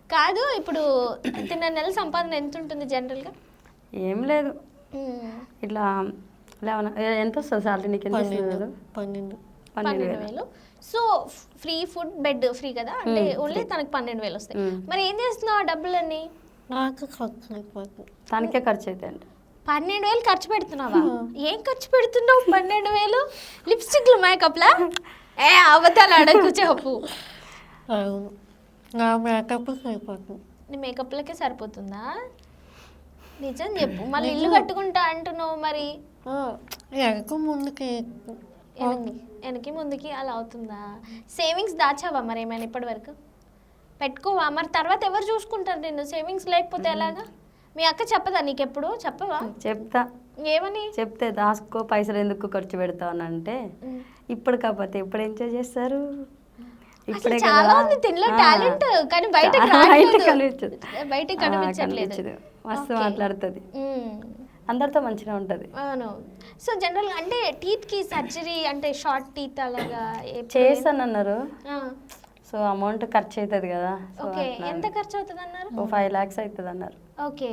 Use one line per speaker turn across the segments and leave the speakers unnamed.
కాదు ఇప్పుడు తిన్న నెల సంపాదన ఎంత ఉంటుంది జనరల్గా?
ఏం లేదు, ఇట్లా లేవన ఎంత వస్తుంది సాలరీ నీకు? ఎంత వస్తుంది?
12,000. So free food, bed free కదా, అంటే ఓన్లీ తనకి 12,000 వస్తాయి. మరి ఏం చేస్తున్నావు ఆ డబ్బులన్నీ?
తనకే ఖర్చు అవుతాయండి.
12,000 ఖర్చు పెడుతున్నావా? ఏం ఖర్చు పెడుతున్నావు 12,000? లిప్స్టిక్లు, మేకప్లా? ఏ అబద్ధాలు అడగకు, చెప్పు. నీ మేకప్లకే సరిపోతుందా? నిజం చెప్పు. మళ్ళీ ఇల్లు కట్టుకుంటా అంటున్నావు, మరి వెనక్కి ముందుకి అలా అవుతుందా? సేవింగ్స్ దాచావా మరి ఏమైనా ఇప్పటి వరకు? పెట్టుకోవా మరి? తర్వాత ఎవరు చూసుకుంటారు నిన్ను సేవింగ్స్ లేకపోతే ఎలాగా? మీ అక్క చెప్పదా నీకెప్పుడు? చెప్పవా?
చెప్తా.
ఏమని
చెప్తే దాసుకో, పైసలు ఎందుకు ఖర్చు పెడతావు అని అంటే, ఇప్పుడు కాకపోతే ఇప్పుడు ఎంజాయ్ చేస్తారు. ఇప్పుడే
చాలా ఉంది తినలో టాలెంట్, కానీ బయటకు కనిపించట్లేదు.
మస్తు మాట్లాడుతుంది, అందరితో మంచిగా ఉంటుంది.
అవును. సో జనరల్ అంటే టీత్ కి సర్జరీ అంటే షార్ట్ టీత్ అలాగా
చేస్తానన్నారు. సో అమౌంట్ ఖర్చు అవుతుంది కదా.
ఓకే, ఎంత ఖర్చు అవుతుంది అన్నారు?
5 lakhs అవుతుంది అన్నారు.
ఓకే.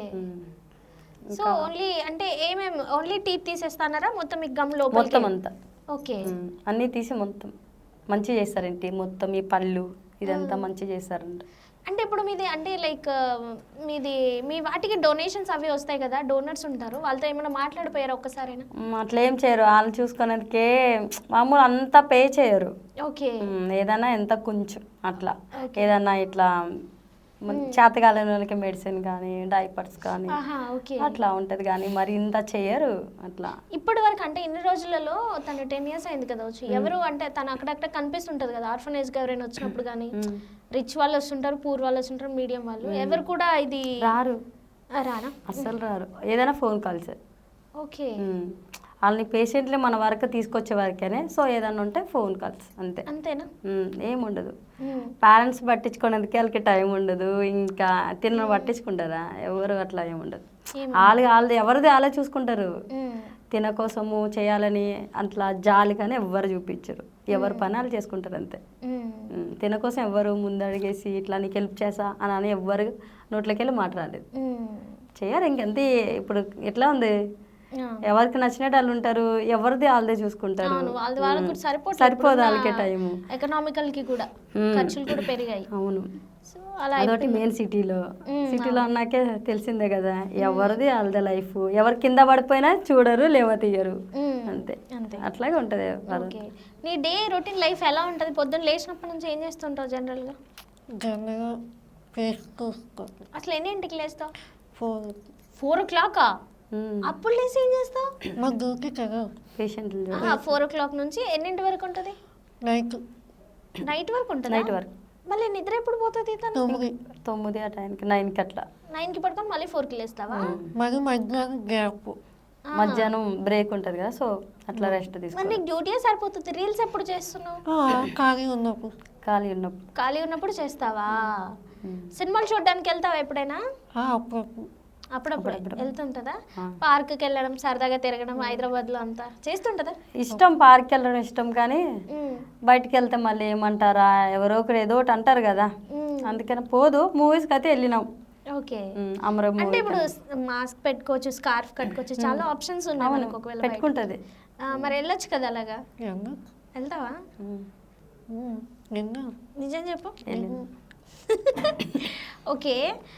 సో ఓన్లీ అంటే ఏమేమి, ఓన్లీ టీత్ తీసేస్తానారా మొత్తం? మీకు గమ్ లోపల
మొత్తం అంతా.
ఓకే,
అన్నీ తీసి మొత్తం మంచిగా చేస్తారండి. మొత్తం ఈ పళ్ళు ఇదంతా మంచిగా చేస్తారంట.
అంటే ఇప్పుడు మీది అంటే లైక్ మీది మీ వాటికి డొనేషన్స్ అవి వస్తాయి కదా, డోనర్స్ ఉంటారు, వాళ్ళతో ఏమైనా మాట్లాడిపోయారా ఒక్కసారైనా?
అట్లా ఏం చేయరు, వాళ్ళు చూసుకునేందుకే మామూలు అంతా పే చేయరు.
ఓకే.
ఏదైనా ఎంత కొంచెం అట్లా, ఏదన్నా ఇట్లా చేతగాలని వాళ్ళకి మెడిసిన్ కానీ డైపర్స్ కానీ అట్లా ఉంటది, కానీ మరి ఇంత చెయ్యరు అట్లా.
ఇప్పటి వరకు అంటే ఇన్ని రోజులలో తను 10 years అయింది కదా వచ్చి, ఎవరు అంటే తను అక్కడక్కడ కనిపిస్తుంటది కదా ఆర్ఫనేజ్ గా ఎవరైనా వచ్చినప్పుడు కానీ, రిచ్ వాళ్ళు వస్తుంటారు, పూర్ వాళ్ళు వస్తుంటారు, మీడియం వాళ్ళు, ఎవరు కూడా ఇది
రారు.
రానా?
అస్సలు రారు. ఏదైనా ఫోన్ కాల్స్.
ఓకే.
వాళ్ళని పేషెంట్లే మన వరకు తీసుకొచ్చే వరకేనే. సో ఏదన్నా ఉంటే ఫోన్ కాల్స్ అంతే.
అంతేనా?
ఏముండదు. పేరెంట్స్ పట్టించుకునేందుకే వాళ్ళకి టైం ఉండదు. ఇంకా తిన్న పట్టించుకుంటారా? ఎవరు అట్లా ఏముండదు. వాళ్ళది ఎవరిది వాళ్ళే చూసుకుంటారు. తిన కోసము చేయాలని అట్లా జాలి కానీ ఎవ్వరు చూపించరు. ఎవరు పని వాళ్ళు చేసుకుంటారు అంతే. తిన కోసం ఎవరు ముందడిగేసి ఇట్లా నీకు హెల్ప్ చేసా అని ఎవ్వరు నోట్లోకి వెళ్ళి మాట్లాడలేదు, చేయరు. ఇంకెంతే. ఇప్పుడు ఎట్లా ఉంది, ఎవరికి నచ్చినట్టు వాళ్ళు ఉంటారు, ఎవరిది వాళ్ళదే చూసుకుంటారు. సరిపోదు వాళ్ళకి టైము.
ఎకనామికల్ కి కూడా ఖర్చులు కూడా పెరిగాయి.
అవును. అదొకటి మెయిన్ సిటీలో అన్నాకే తెలిసిందే కదా, ఎవరిది వాళ్ళదే లైఫ్. ఎవరి కింద పడిపోయినా చూడరు, లేవ తీయరు, అంతే. అట్లాగే ఉంటది.
నీ డే రొటీన్ లైఫ్ ఎలా ఉంటది? పొద్దున్న లేచినప్పటి నుంచి ఏం చేస్తుంటావు జనరల్గా? అసలు ఎన్నింటికి లేస్తావు? 4 o'clock. అప్పుడు లేసి ఏం చేస్తావు?
మాకు దొరికే కదా పేషెంట్లు.
4 o'clock నుంచి ఎన్నింటి వరకు ఉంటుంది? నైట్ వరకు ఉంటుంది.
నైట్ వరకు.
మళ్ళీ నిద్ర ఎప్పుడు పోతుంది?
9 ఆ టైంకి, 9కి అట్లా.
9కి పడుకొని మళ్ళీ 4కి లేస్తావా?
మధ్యాహ్నం బ్రేక్ ఉంటుంది కదా, సో అట్లా రెస్ట్ తీసుకుంటా.
నీకు డ్యూటీ సరిపోతుంది. రీల్స్ ఎప్పుడు చేస్తున్నావు? ఖాళీ ఉన్నప్పుడు చేస్తావా? సినిమాలు చూడడానికి వెళ్తావా ఎప్పుడైనా? అప్పుడప్పుడు వెళ్తుంటదా? పార్క్కి వెళ్ళడం, సరదాగా తిరగడం, హైదరాబాద్ లో అంతా చేస్తుంటదా?
ఇష్టం, పార్క్కి వెళ్ళడం ఇష్టం, కానీ బయటకు వెళ్తే మళ్ళీ ఏమంటారా, ఎవరో ఒకరు ఏదో ఒకటి అంటారు కదా, అందుకని పోదు. మూవీస్కి అయితే వెళ్ళినాం.
ఓకే. అంటే ఇప్పుడు మాస్క్ పెట్టుకోవచ్చు, స్కార్ఫ్ కట్టుకోవచ్చు, చాలా ఆప్షన్స్ ఉన్నాయి మనకు. ఒకవేళ పెట్టుకుంటది మరి వెళ్ళొచ్చు కదా అలాగా. వెళ్తావా? నిజం చెప్పు. ఓకే.